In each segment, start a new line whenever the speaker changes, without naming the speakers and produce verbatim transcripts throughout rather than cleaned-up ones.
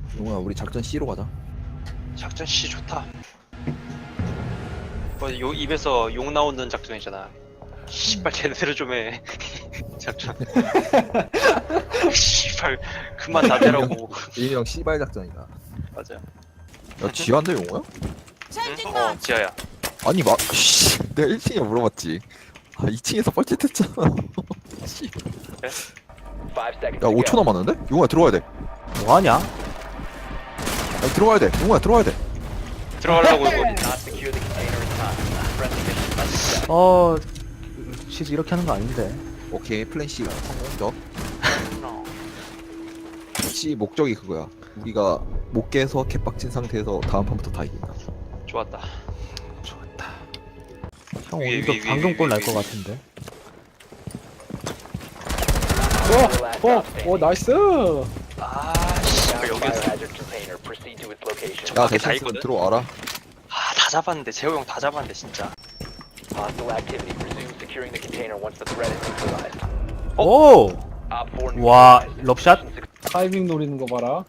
용호야 우리 작전 C로 가자.
작전 C 좋다. 뭐, 요 입에서 욕 나오는 작전이잖아. 씨발 제대로 좀 해. 작전. 씨발 그만 나대라고.
일명 C발 작전이다.
맞아.
야 지하인데 용호야?
응? 어 지하야.
아니 마 씨, 내가 일 층에 물어봤지. 아 이 층에서 뻘짓했잖아. 씨. 야 오 초 남았는데? 용호야 들어와야 돼.
뭐하냐?
야, 들어와야 돼. 용호야 들어와야 돼.
들어가려고 이거.
어... 시즈 이렇게 하는 거 아닌데.
오케이 플랜 C가 성공적. C 목적이 그거야. 우리가 못 깨서 개빡친 상태에서 다음 판부터 다 이긴다.
좋았다.
좋다. 형
위에,
오늘도
위에, 위에,
방금골
위에,
날 것
위에.
같은데.
어, 어, 나이스.
아 씨발 여기서.
야
밖에 다
대신
있거든?
들어와라.
아 다 잡았는데 재호 형 다 잡았는데 진짜. 어?
오! 와, 럽샷?
타이밍 노리는 거 봐라.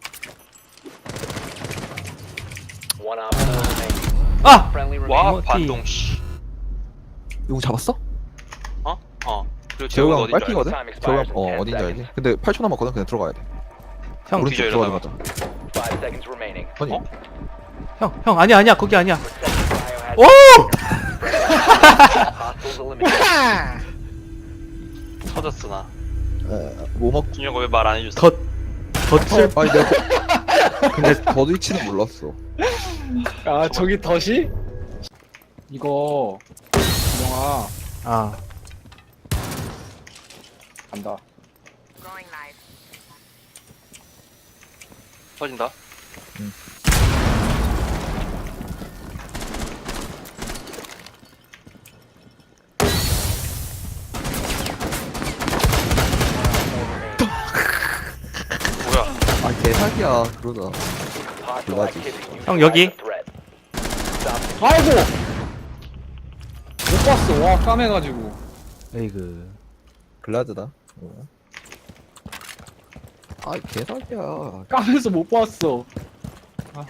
아!
와
이모티.
반동 씨.
용호 잡았어?
어? 어. 그리고
재호
재호가
형
어딘지 알아?
빨피거든? 재호 형어 어딘지 알지? 근데 팔 초 남았거든. 그냥 들어가야 돼.
형,
오른쪽
뒤져,
들어가자. 아니
어?
형, 형 아니야 아니야 거기 아니야. 오!
터졌어 나.
에, 뭐 먹?
준혁아 왜 말 안 해줬어?
덧 덧을
아니 내가
근데
더드 위치는 몰랐어.
아, 저기 덫이? 이거, 영아,
아,
간다.
터진다. 뭐야?
아 개사기야 그러다. 몰라지.
형 여기.
아이고! 못 봤어. 와, 까매가지고.
에이그.
글라드다. 어. 아 개사기야.
까매서 못 봤어. 아,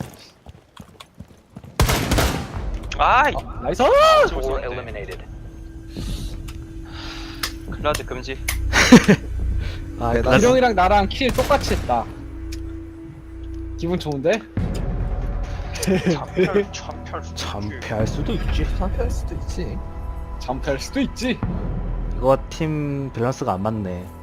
아이.
나이스!
클라드 금지.
아,
대단-
나
기령이랑 나랑 킬 똑같이 했다. 기분 좋은데?
참별 참별
참패할 수도 있지.
상패할 수도 있지.
잠패할 수도 있지.
이거 팀 밸런스가 안 맞네.